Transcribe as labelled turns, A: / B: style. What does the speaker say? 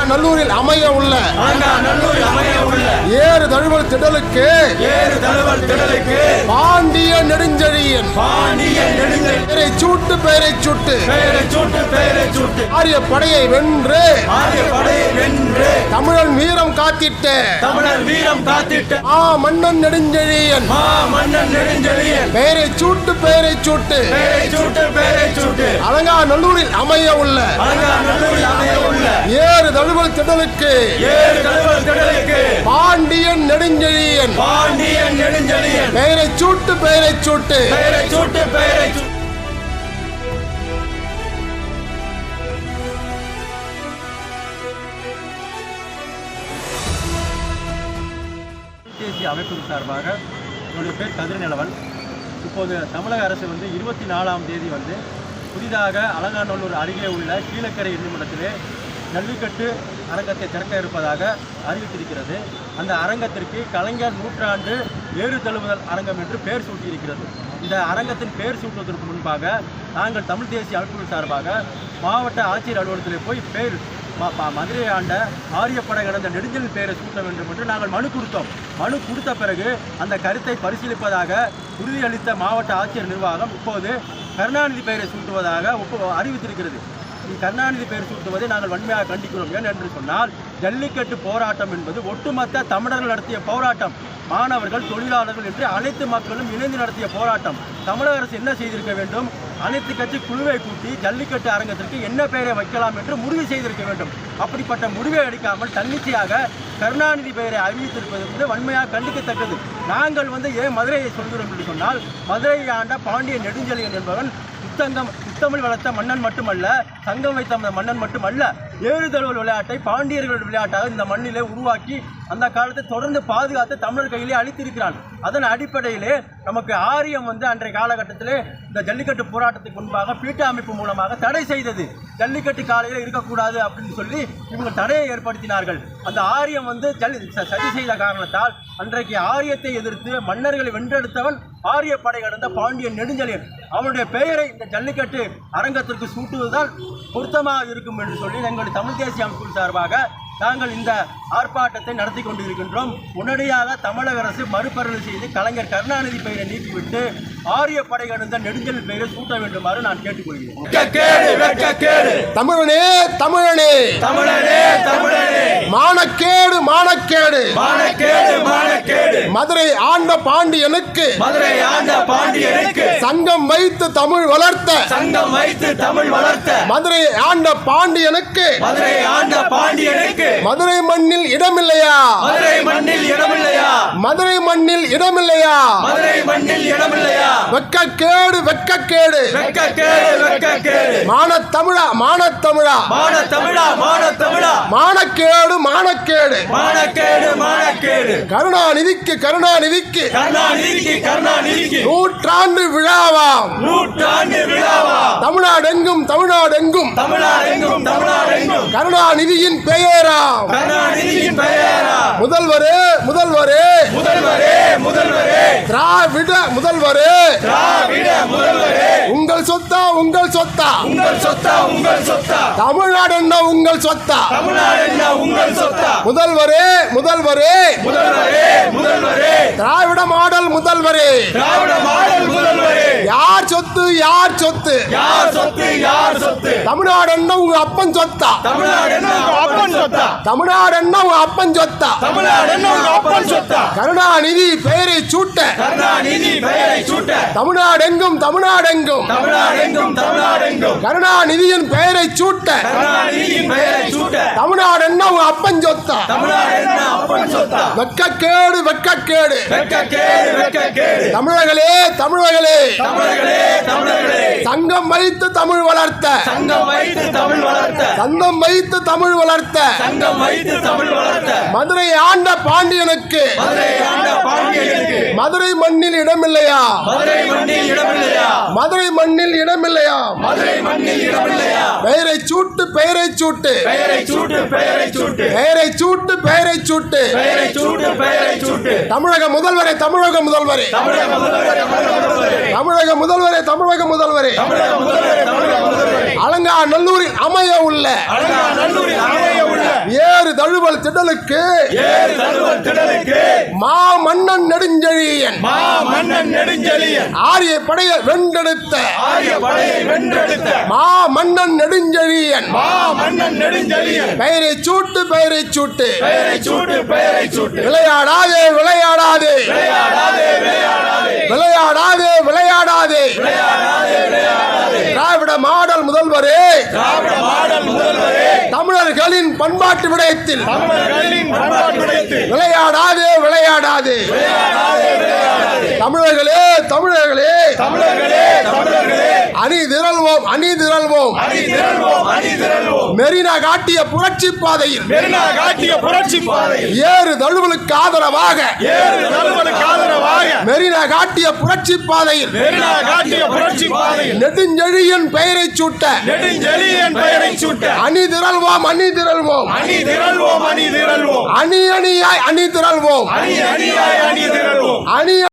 A: அலங்காநல்லூரில் அமைய உள்ள ஏறு தழுவல் திடலுக்கு பாண்டிய நெடுஞ்செழியன் பெயரை சூட்டு ஆரிய படையை வென்று தமிழன் வீரம் காத்திட்ட மன்னன் நெடுஞ்செழியன் பெயரை சூட்டு அலங்காநல்லூரில் அமைய உள்ள ஏறு தழுவல் திடலுக்கு பாண்டியன் நெடுஞ்செழியன் பெயரை சூட்டு
B: தேசிய அமைப்பு சார்பாக என்னுடைய பேர் கதிரநிலவன். இப்போது தமிழக அரசு 24ஆம் தேதி புதிதாக அலங்காநல்லூர் அருகே உள்ள கீழக்கரை என்னுமிடத்திலே ஜல்லிக்கட்டு அரங்கத்தை திறக்க இருப்பதாக அறிவித்திருக்கிறது. அந்த அரங்கத்திற்கு கலைஞர் நூற்றாண்டு ஏறு தழுவுதல் அரங்கம் என்று பெயர் சூட்டியிருக்கிறது. இந்த அரங்கத்தின் பெயர் சூட்டுவதற்கு முன்பாக நாங்கள் தமிழ் தேசிய அமைப்புகள் சார்பாக மாவட்ட ஆட்சியர் அலுவலகத்தில் போய் மதுரை ஆண்ட ஆரியப்படை கடந்த நெடுஞ்செழியன் பெயரை சூட்ட வேண்டும் என்று நாங்கள் மனு கொடுத்தோம். மனு கொடுத்த பிறகு அந்த கருத்தை பரிசீலிப்பதாக உறுதியளித்த மாவட்ட ஆட்சியர் நிர்வாகம் இப்போது கருணாநிதி பெயரை சூட்டுவதாக அறிவித்திருக்கிறது. கருணாநிதி பெயர் சூட்டுவதை நாங்கள் வன்மையாக கண்டிக்கிறோம். ஏன் என்று சொன்னால் ஜல்லிக்கட்டு போராட்டம் என்பது ஒட்டுமொத்த தமிழர்கள் நடத்திய போராட்டம். மாணவர்கள், தொழிலாளர்கள் என்று அனைத்து மக்களும் இணைந்து நடத்திய போராட்டம். தமிழக அரசு என்ன செய்திருக்க வேண்டும்? அனைத்து கட்சி குழுவை கூட்டி ஜல்லிக்கட்டு அரங்கத்திற்கு என்ன பெயரை வைக்கலாம் என்று முடிவு செய்திருக்க வேண்டும். அப்படிப்பட்ட முடிவை எடுக்காமல் தன்னிச்சையாக கருணாநிதி பெயரை அறிவித்திருப்பது வன்மையாக கண்டிக்கத்தக்கது. நாங்கள் ஏன் மதுரையை சொல்கிறோம் என்று சொன்னால், மதுரையை ஆண்ட பாண்டிய நெடுஞ்செழியன் என்பவன் முத்தமிழ் வளர்த்த மன்னன் மட்டுமல்ல, சங்கம் வைத்த மன்னன் மட்டுமல்ல, ஏறு தழுவல் விளையாட்டை பாண்டியர்கள் விளையாட்டாக இந்த மண்ணிலே உருவாக்கி அந்த காலத்தை தொடர்ந்து பாதுகாத்து தமிழர் கையிலே அளித்திருக்கிறான். அதன் அடிப்படையிலே நமக்கு ஆரியம் அன்றைய காலகட்டத்திலே இந்த ஜல்லிக்கட்டு போராட்டத்துக்கு முன்பாக பீட்ட அமைப்பு மூலமாக தடை செய்தது. ஜல்லிக்கட்டு காலையில் இருக்கக்கூடாது அப்படின்னு சொல்லி இவங்க தடையை ஏற்படுத்தினார்கள். அந்த ஆரியம் சதி செய்த காரணத்தால் அன்றைக்கு ஆரியத்தை எதிர்த்து மன்னர்களை வென்றெடுத்தவன் ஆரிய படை கடந்த பாண்டியன் நெடுஞ்செழியன். அவனுடைய பெயரை இந்த ஜல்லிக்கட்டு அரங்கத்திற்கு சூட்டுவதுதான் பொருத்தமாக இருக்கும் என்று சொல்லி எங்கள் தமிழ் தேசிய அமைப்பு சார்பாக நாங்கள் இந்த ஆர்ப்பாட்டத்தை நடத்தி கொண்டிருக்கின்றோம். உடனடியாக தமிழக அரசு மறுபரிசீலனை செய்து கலைஞர் கருணாநிதி பெயரை நீக்கிவிட்டு ஆரிய படை கடந்த நெடுஞ்செழியன் பெயரை சூட்ட வேண்டுமாறு நான் கேட்டுக்கொள்கிறேன்.
A: தமிழனே தமிழனே மானக்கேடு மானக்கேடு மதுரை ஆண்ட பாண்டியனுக்கு சங்கம் வைத்து தமிழ் வளர்த்த மதுரை ஆண்ட பாண்டியனுக்கு மதுரை மண்ணில் இடமில்லையா? வெட்கக்கேடு மானத்தமிழா மானக்கேடு கருணாநிதிக்கு நூற்றாண்டு விழாவாம் தமிழ்நாடெங்கும் கருணாநிதியின் பெயராம் முதல்வரே திராவிட முதல்வரே உங்கள் சொத்தா தமிழ்நாடு என்ன உங்கள் சொத்தா முதல்வரே திராவிட மாடல் முதல்வரே யார் சொத்து தமிழ்நாடு என்ன உங்க அப்பன் சொத்தா கருணாநிதி பெயரை சூட்ட தமிழ்நாடெங்கும் கருணாநிதியின் பெயரை சூட்ட தமிழ்நாடு என்ன உங்க அப்பன் சொத்தா? வெட்கக்கேடு தமிழர்களே சங்கம் வைத்து தமிழ் வளர்த்த மதுரை ஆண்ட பாண்டியனுக்கு மதுரை மண்ணில் இடமில்லையா? பெயரை சூட்டு தமிழக முதல்வரே அலங்காநல்லூரில் அமைய உள்ள ஏறு தழுவல் திடலுக்கு மா மன்னன் நெடுஞ்செழியன் ஆரிய படையை வென்றெடுத்த மா மன்னன் நெடுஞ்செழியன் பெயரை சூட்டு விளையாடாதே திராவிட மாடல் முதல்வரே தமிழர்களின் பண்பாட்டு விடயத்தில் விளையாடாதே தமிழர்களே அணி திரள்வோம் மெரினா காட்டிய புரட்சி பாதையில் ஏறு தழுவலுக்கு ஆதரவாக மெரினா காட்டிய புரட்சி பாதையில் நெடுஞ்செழியன் பெயரை சூட்ட அணி திரள்வோம் அணி